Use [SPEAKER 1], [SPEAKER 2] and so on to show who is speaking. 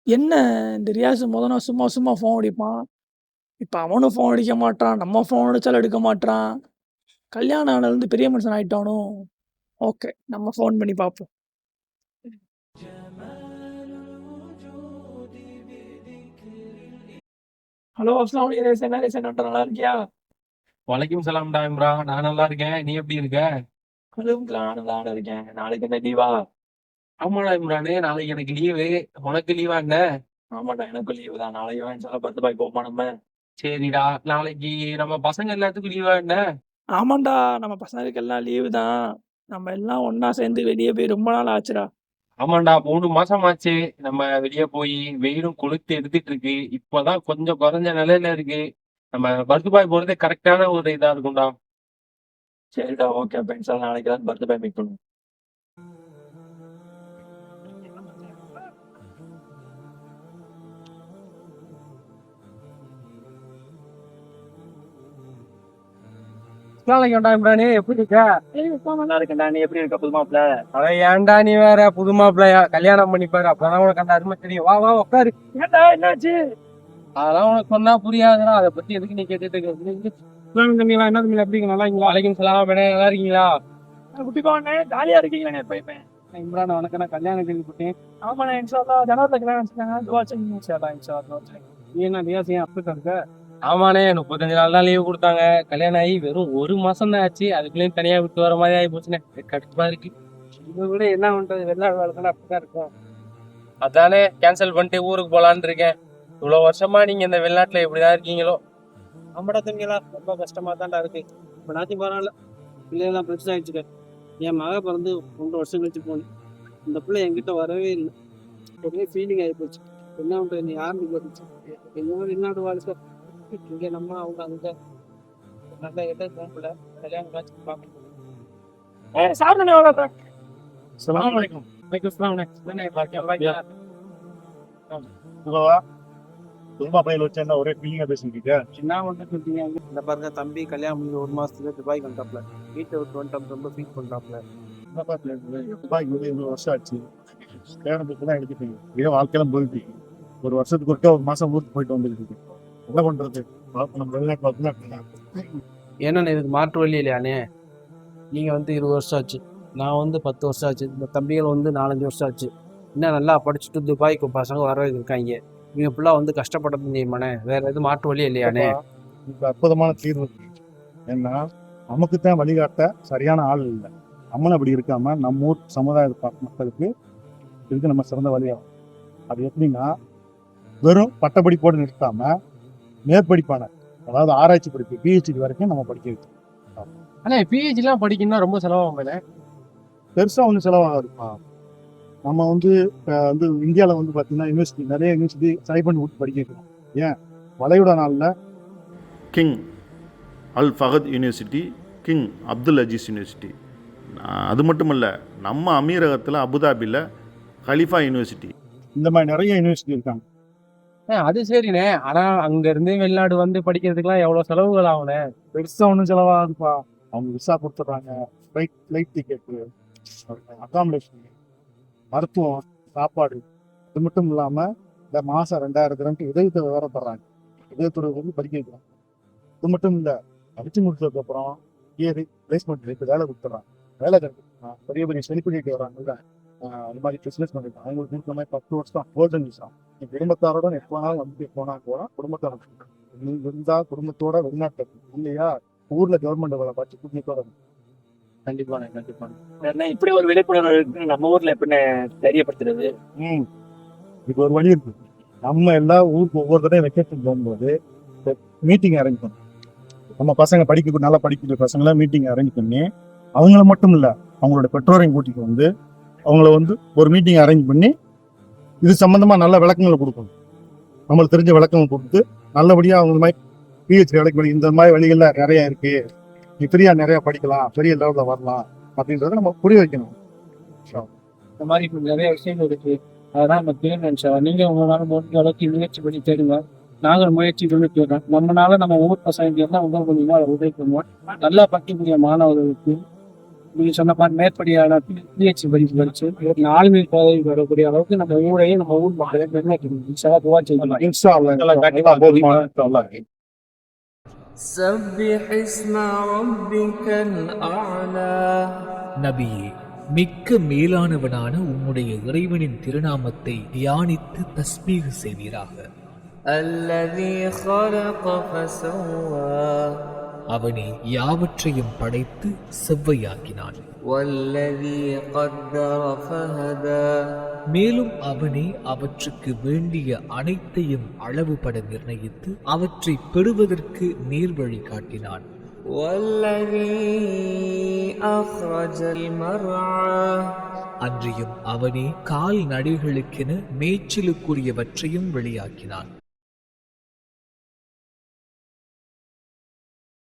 [SPEAKER 1] என்ன இந்த ரியாஸ் நாள் சும்மா சும்மா ஃபோன் அடிப்பான். இப்ப அவனும் ஃபோன் அடிக்க மாட்றான். நம்ம ஃபோன் அடிச்சாலும் எடுக்க மாட்றான். கல்யாணம் ஆனதுலருந்து பெரிய மனுஷன் ஆயிட்டானோ! ஓகே. நம்ம ஃபோன் பண்ணி பார்ப்போம். ஹலோ அஸ்லாம் வலைக்கும். என்ன ரிசன் நல்லா இருக்கியா?
[SPEAKER 2] வலைக்கும் சலாம்டா இம்ரான். நான் நல்லா இருக்கேன். நீ எப்படி இருக்க?
[SPEAKER 1] நானும் நல்லா இருக்கேன். நாளைக்கு என்ன லீவா?
[SPEAKER 2] ஆமாடா இம்ரானு, நாளைக்கு எனக்கு லீவு. உனக்கு லீவா என்ன?
[SPEAKER 1] ஆமாடா, எனக்கும் லீவு தான். நாளைக்கு இன்ஷால்லா பர்த் பாய் போமா நம்ம.
[SPEAKER 2] சரிடா, நாளைக்கு நம்ம பசங்க எல்லாத்துக்கும் லீவா என்ன?
[SPEAKER 1] ஆமாண்டா, நம்ம பசங்களுக்கு எல்லாம் லீவு தான். நம்ம எல்லாம் ஒண்ணா சேர்ந்து வெளிய போய் ரொம்ப நாள் ஆச்சுடா.
[SPEAKER 2] ஆமாண்டா, 3 மாசம் ஆச்சு நம்ம வெளிய போய். வெயிலும் கொளுத்து எடுத்துட்டு இருக்கு. இப்பதான் கொஞ்சம் குறைஞ்ச நிலையில இருக்கு. நம்ம பர்துபாய் போறது கரெக்டான ஒரு இதா இருக்கும்டா.
[SPEAKER 1] சரிடா, ஓகே. அப்ப இன்ஷால்லா நாளைக்கு தான் பர்த் பாய் மீட் பண்ணுவோம்.
[SPEAKER 2] அஸ்ஸலாமு அலைக்கும் இம்ரானு, எப்படி இருக்க?
[SPEAKER 1] நல்லா இருக்கேன்டா. நீ எப்படி இருக்க புது மாப்பிள்ள?
[SPEAKER 2] அட ஏன்டா நீ வேற புது மாப்பிள்ளையா? கல்யாணம் பண்ணிப்பாரு, அப்பதான் உனக்கு அந்த அருமை தெரியும். வா வா உட்காரு.
[SPEAKER 1] ஏன்டா என்னாச்சு?
[SPEAKER 2] அதெல்லாம் உனக்கு சொன்னா புரியாதுடா. அதை பத்தி எதுக்கு நீ கேட்டுட்டு இருக்க? தம்பிங்களா, என்ன தம்பி எப்படி நல்லா இருக்கீங்களா? வலைக்கும் சலாம் மேடம், நல்லா இருக்கீங்களா?
[SPEAKER 1] குட்டி பாவனே, ஜாலியா இருக்கீங்களே எப்பயுமே.
[SPEAKER 2] இம்ரான் வணக்கம், நான் கல்யாணம் கேள்விப்பட்டேன்.
[SPEAKER 1] ஆமாண்ணே, இன்ஷால்லா ஜனவரில கல்யாணம் வச்சுருக்காங்க. துவா செய்யுங்க. இன்ஷால்லா.
[SPEAKER 2] நீ என்ன ரியாஸ் ஏன் அப்படி இருக்க? ஆமாண்ணே, 35 நாள் தான் லீவு கொடுத்தாங்க. கல்யாணம் ஆகி வெறும் 1 மாசம் தான் ஆச்சு. அதுக்குள்ளேயும் தனியா விட்டு வர மாதிரி ஆகி போச்சுண்ணே. கடுப்பா இருக்கு. இதை விட என்ன பண்றது, வெளிநாடு வாழ்க்கை அப்படிதான் இருக்கும். அதானே கேன்சல் பண்ணிட்டு ஊருக்கு போலான்னு இருக்கேன். இவ்வளவு வருஷமா நீங்க இந்த வெளிநாட்டுல எப்படிதான் இருக்கீங்களோ?
[SPEAKER 3] ஆமாடா தம்பிங்களா, ரொம்ப கஷ்டமா தான்டா இருக்கு. இப்போ நாத்தி பரவாயில்ல, பிள்ளைகள்லாம் பிரச்சனை ஆயிடுச்சுக்க. என் மக பிறந்து 2 வருஷம் கழிச்சு போனேன். இந்த பிள்ளை என்கிட்ட வரவே இல்லை. ஒரே ஃபீலிங் ஆகி போச்சு. என்ன பண்றது, நீ யாருன்னு போட்டுச்சு. எங்கேயோ வெளிநாடு வாழ்க்கை, இங்கே நம்ம அவங்க அங்கே. நல்லா எட்ட போகல, கல்யாணம் காட்சி பார்க்கணும்.
[SPEAKER 1] சாப்பிடுண்ணே, எவ்வளோ?
[SPEAKER 2] அஸ்ஸலாமு அலைக்கும். வலைக்கும் சலாம்.
[SPEAKER 4] குடும்ப பையில வச்சு என்ன ஒரே ஃபீலிங்கா பேசிக்கிட்டு
[SPEAKER 3] என்ன வந்து சொல்றீங்க? இந்த பாருங்க, தம்பி கல்யாணம் பண்ணி 1 மாசத்துல துபாய் வந்துட்டாப்ல. வீட்டை விட்டு வந்துட்டாப்ல, ரொம்ப ஃபீல் பண்றாப்ல.
[SPEAKER 4] துபாய்க்கு வந்து 20 வருஷம் ஆச்சு. கல்யாணத்துக்கு தான் எடுத்துட்டீங்க. இதே வாழ்க்கையெல்லாம் போயிட்டு 1 வருஷத்துக்கு ஒருக்கா 1 மாசம் ஊருக்கு போயிட்டு வந்துருக்கு. என்ன பண்றது? நம்ம வெளிநாட்டு
[SPEAKER 3] ஏன்னா இதுக்கு மாற்று வழி இல்லையானே. நீங்க வந்து 20 வருஷம் ஆச்சு, நான் வந்து 10 வருஷம் ஆச்சு, இந்த தம்பிகள் வந்து 4-5 வருஷம் ஆச்சு. இன்னும் நல்லா படிச்சுட்டு துபாய்க்கு பசங்க வர இருக்காங்க. இவங்க ஃபுல்லாக வந்து கஷ்டப்பட்டது தெரியுமாண்ணே. வேற எதுவும் மாற்று வழி இல்லையானே.
[SPEAKER 4] இப்போ அற்புதமான தீர்வு. ஏன்னா நமக்கு தான் வழிகாட்ட சரியான ஆள் இல்லை. நம்மளும் அப்படி இருக்காம நம்ம ஊர் சமுதாய மக்களுக்கு இதுக்கு நம்ம சிறந்த வழியாகும். அது எப்படின்னா, வெறும் பட்டப்படிப்போடு நிறுத்தாம மேற்படிப்பான, அதாவது ஆராய்ச்சி படிப்பு பிஹெச்டி வரைக்கும் நம்ம படிக்க வைக்கணும்.
[SPEAKER 2] ஆனா பிஹெச்டிலாம் படிக்கணும்னா ரொம்ப செலவாகும்.
[SPEAKER 4] பெருசா ஒன்றும் செலவாகாதுப்பா. நம்ம வந்து இந்தியாவில் வந்து பார்த்தீங்கன்னா யூனிவர்சிட்டி நிறைய யூனிவர்சிட்டி ட்ரை பண்ணி விட்டு படிக்க வைக்கணும். ஏன் வளைகுடா நாளில்
[SPEAKER 5] King Al Fahd University, King Abdul Aziz University, அது மட்டும் இல்லை நம்ம அமீரகத்தில் அபுதாபியில் கலிஃபா யூனிவர்சிட்டி,
[SPEAKER 4] இந்த மாதிரி நிறைய யூனிவர்சிட்டி இருக்காங்க.
[SPEAKER 2] அது சரிண்ணே. ஆனா அங்க இருந்து வெளிநாடு வந்து படிக்கிறதுக்குலாம் எவ்வளவு செலவுகள் ஆகுண்ணே?
[SPEAKER 4] பெருசா ஒன்றும் செலவாகுதுப்பா. அவங்க விசா கொடுத்துட்றாங்க, ஃப்ளைட் டிக்கெட்டு, அகாமடேஷன், மருத்துவம், சாப்பாடு. அது மட்டும் இல்லாமல் இந்த மாதம் 2000 திரண்டு உதவித்தொகை வேற தர்றாங்க. உதவித்தொகை வந்து படிக்க வைக்கிறாங்க. இது மட்டும் இல்லை, படிச்சு முடிச்சதுக்கப்புறம் பிளேஸ்மெண்ட் இப்போ வேலை கொடுத்துட்றாங்க. வேலை கிடைக்கும். பெரிய பெரிய செலிபிரிட்டி வராங்கல்ல, அந்த மாதிரி பிஸ்னஸ் பண்ணிட்டு அவங்களுக்கு இருக்கிற மாதிரி 10 வருஷம் கோல்டன் விசா. நீ குடும்பத்தாரோட எப்போ வேணாலும் வந்து போனால் போனால் குடும்பத்தாரோட இருந்தால் குடும்பத்தோட வெளிநாட்டு இல்லையா, ஊரில் கவர்மெண்ட் வேலை பார்த்து குடும்பத்தோட.
[SPEAKER 1] கண்டிப்பாண்ணே, கண்டிப்பாண்ணே. இப்படி ஒரு விழிப்புணர்வு இருக்கு நம்ம ஊர்ல எப்படின்னு தெரியப்படுத்துறது?
[SPEAKER 4] இது ஒரு வழி இருக்கு. நம்ம எல்லா ஊருக்கு ஒவ்வொரு தடையும் வெக்கேஷன் போகும்போது மீட்டிங் அரேஞ்ச் பண்ணணும். நம்ம பசங்க நல்லா படிக்கிற பசங்களாம் மீட்டிங் அரேஞ்ச் பண்ணி, அவங்கள மட்டும் இல்லை அவங்களோட பெற்றோரையும் கூட்டிட்டு வந்து அவங்கள வந்து ஒரு மீட்டிங் அரேஞ்ச் பண்ணி இது சம்பந்தமா நல்ல விளக்கங்களை கொடுக்கணும். நம்மளுக்கு தெரிஞ்ச விளக்கங்கள் கொடுத்து நல்லபடியா அவங்க மாதிரி பிஹெச்டி வேலைக்கு இந்த மாதிரி வழிகள்லாம் நிறைய இருக்கு, நீ ஃப்ரீயா நிறைய படிக்கலாம், பெரிய லெவலில் வரலாம் அப்படின்றத நம்ம புரிய வைக்கணும்.
[SPEAKER 3] இந்த மாதிரி நிறைய விஷயங்கள் இருக்கு. அதான் நம்ம தேர்வு. நீங்க உங்களால முடிஞ்ச அளவுக்கு முயற்சி பண்ணி தேடுங்க. நாங்கள் முயற்சி பண்ணி தேடுறோம். நம்மளால நம்ம ஊர் பசங்க எல்லாம் உதவி பண்ணுவோம், அதை உதவி பண்ணுவோம். நல்லா படிக்கக்கூடிய மாணவர்களுக்கு நீங்க சொன்ன மாதிரி மேற்படியான பிஹெச்டி படிப்பு படிச்சு ஒரு 4 மீல் பதவி வரக்கூடிய அளவுக்கு நம்ம ஊரையும் நம்ம ஊர் மக்களையும் பெருமைக்கணும். துவா செய்யலாம்.
[SPEAKER 4] இன்ஷா அல்லாஹ் போதுமான
[SPEAKER 6] سبح اسم ربك الأعلى
[SPEAKER 7] நபியே, மிக்க மேலானவனான உம்முடைய இறைவனின் திருநாமத்தை தியானித்து தஸ்பீஹ் செய்வீராக.
[SPEAKER 6] الذي خلق فسوى
[SPEAKER 7] அவனே யாவற்றையும் படைத்து செவ்வையாக்கினான்.
[SPEAKER 6] والذي قدر فهدى
[SPEAKER 7] மேலும் அவனே அவற்றுக்கு வேண்டிய அனைத்தையும் அளவுபட நிர்ணயித்து அவற்றை பெறுவதற்கு நேர்வழி காட்டினான்.
[SPEAKER 6] والذي أخرج المرعى
[SPEAKER 7] அன்றியும் அவனே கால்நடைகளுக்கென மேய்ச்சலுக்குரியவற்றையும் வெளியாக்கினான்.